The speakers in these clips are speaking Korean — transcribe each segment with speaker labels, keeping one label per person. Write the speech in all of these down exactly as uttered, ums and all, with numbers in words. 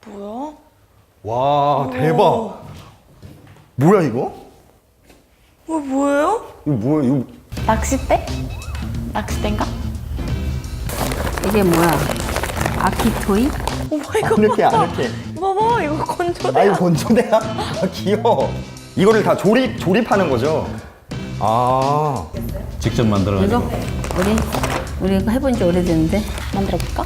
Speaker 1: 뭐야?
Speaker 2: 와 대박. 뭐야 이거?
Speaker 1: 어, 뭐예요?
Speaker 2: 이거 뭐야 이거?
Speaker 3: 낚싯대? 낚싯대인가?
Speaker 4: 이게 뭐야? 아키토이?
Speaker 1: 오마 이거
Speaker 2: 아늑해
Speaker 1: 봐봐.
Speaker 2: 아늑해.
Speaker 1: 봐봐 이거 건조대.
Speaker 2: 아 이거 건조대야? 아 귀여워. 이거를 다 조립 조립하는 거죠? 아
Speaker 5: 직접
Speaker 4: 이거?
Speaker 5: 만들어가지고.
Speaker 4: 우리 우리 이거 해본 지 오래됐는데.
Speaker 3: 만들어볼까?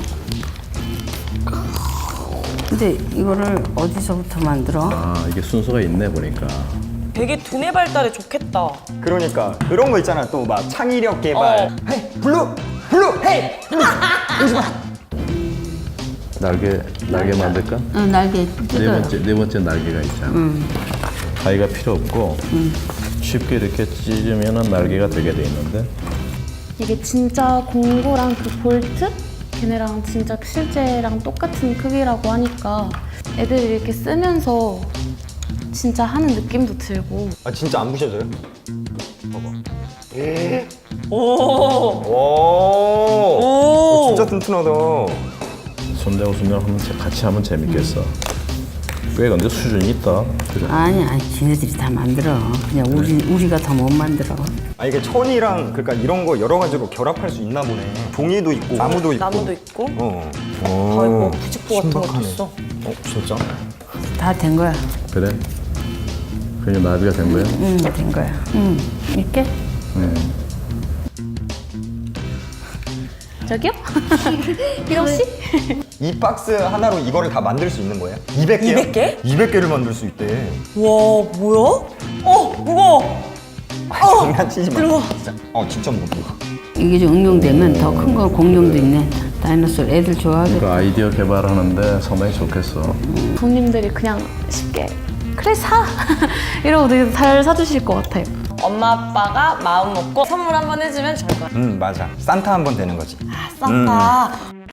Speaker 4: 근데 이거를 어디서부터 만들어?
Speaker 5: 아 이게 순서가 있네 보니까.
Speaker 1: 되게 두뇌 발달에 좋겠다.
Speaker 2: 그러니까 그런 거 있잖아 또 막 창의력 개발.
Speaker 1: 어.
Speaker 2: 헤이 블루 블루 헤이 블루. 오지 마.
Speaker 5: 날개 날개 만들까?
Speaker 4: 어, 날개
Speaker 5: 네
Speaker 4: 뜯어요.
Speaker 5: 번째 네 번째 날개가 있잖아.
Speaker 4: 응.
Speaker 5: 가위가 필요 없고 쉽게 이렇게 찢으면은 날개가 되게 돼 있는데.
Speaker 3: 이게 진짜 공구랑 그 볼트? 걔네랑 진짜 실제랑 똑같은 크기라고 하니까 애들이 이렇게 쓰면서 진짜 하는 느낌도 들고.
Speaker 2: 아 진짜 안 부셔져요? 봐봐.
Speaker 1: 오.
Speaker 2: 오.
Speaker 1: 오.
Speaker 2: 어, 진짜 튼튼하다.
Speaker 5: 손대고 손대고 하면 재- 같이 하면 재밌겠어. 꽤 근데 수준이 있다. 그래.
Speaker 4: 아니 아니 지네들이 다 만들어. 그냥 우리 우리가 더 못 만들어.
Speaker 2: 아 이게 천이랑 그러니까 이런 거 여러 가지로 결합할 수 있나 보네. 종이도 있고 나무도 있고.
Speaker 1: 나무도 있고.
Speaker 2: 어.
Speaker 1: 다 있고 부직포 같은 것도
Speaker 2: 신박하네.
Speaker 1: 있어.
Speaker 2: 어 진짜?
Speaker 4: 다 된 거야.
Speaker 5: 그래? 그냥 나비가 된 거야?
Speaker 4: 응, 된 거야. 응. 이렇게?
Speaker 5: 네.
Speaker 3: 저기요? 이러시?
Speaker 2: 이 박스 하나로 이거를 다 만들 수 있는 거예요? 이백 개요?
Speaker 1: 이백 개?
Speaker 2: 이백 개를 만들 수 있대.
Speaker 1: 와 뭐야? 어 무거워.
Speaker 2: 아, 장난치지 마.
Speaker 1: 들어와.
Speaker 2: 진짜. 어 진짜 무거워.
Speaker 4: 이게 좀 응용되면 더 큰 거 공룡도 있네. 다이너솔 애들 좋아하겠다.
Speaker 5: 그 아이디어 개발하는데 상당히 좋겠어.
Speaker 3: 부모님들이 그냥 쉽게 그래 사! 이러고 되게 잘 사주실 것 같아요.
Speaker 1: 엄마 아빠가 마음 먹고 선물 한번 해주면 좋을 것 같아.
Speaker 2: 음 맞아. 산타 한 번 되는 거지.
Speaker 1: 아 산타.